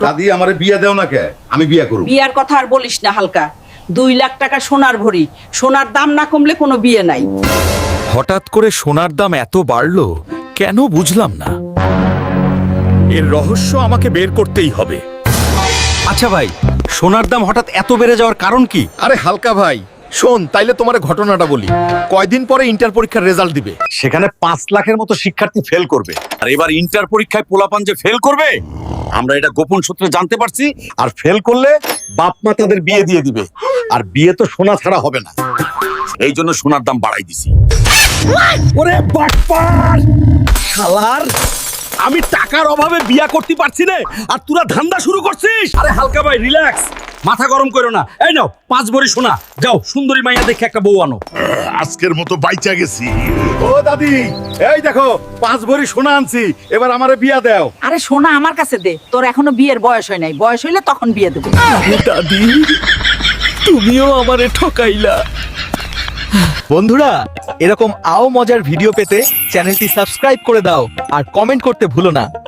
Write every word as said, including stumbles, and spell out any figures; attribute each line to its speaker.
Speaker 1: দাদি আমারে বিয়ে দেও না কে? আমি বিয়ে করব।
Speaker 2: বিয়ার কথা আর বলিস না হালকা, দুই লাখ টাকা সোনার ভরি, সোনার দাম না কমলে কোনো বিয়ে নাই।
Speaker 3: হঠাৎ করে সোনার দাম এত বাড়লো কেন বুঝলাম না। এর রহস্য আমাকে বের করতেই হবে।
Speaker 4: আচ্ছা ভাই, সোনার দাম হঠাৎ এত বেড়ে যাওয়ার কারণ কি?
Speaker 5: আরে হালকা ভাই, শোন তাইলে তোমার ঘটনাটা বলি। কয়দিন পরে ইন্টার পরীক্ষার রেজাল্ট দিবে।
Speaker 4: সেখানে পাঁচ লাখের মতো শিক্ষার্থী ফেল করবে, আর এবার ইন্টার পরীক্ষায় পোলাপান যে ফেল করবে আমরা এটা গোপন সূত্রে জানতে পারছি। আর ফেল করলে বাপ মা তাদের বিয়ে দিয়ে দিবে, আর বিয়ে তো সোনা ছাড়া হবে না। এই জন্য সোনার দাম বাড়াই দিছি। ওরে বাটপার শালার, আমি টাকার অভাবে বিয়া করতে পারছি না, আর তোরা ধান্দা শুরু করছিস। আরে হালকা ভাই রিল্যাক্স, মাথা গরম করো না। এই নাও পাঁচ ভরি সোনা, যাও সুন্দরী মাইয়া দেখে একটা বউ আনো।
Speaker 1: আজকের মতো বাইচা গেছি। ও দাদি, এই দেখো পাঁচ ভরি সোনা আনছি, এবার আমারে বিয়া দাও।
Speaker 2: আরে সোনা আমার কাছে দে, তোর এখনো বিয়ের বয়স হয় নাই, বয়স হইলে তখন বিয়ে দেবো।
Speaker 3: দাদি তুমিও আমারে ঠকাইলা।
Speaker 4: বন্ধুরা, এরকম আও মজার ভিডিও পেতে চ্যানেলটি সাবস্ক্রাইব করে দাও আর কমেন্ট করতে ভুলো না।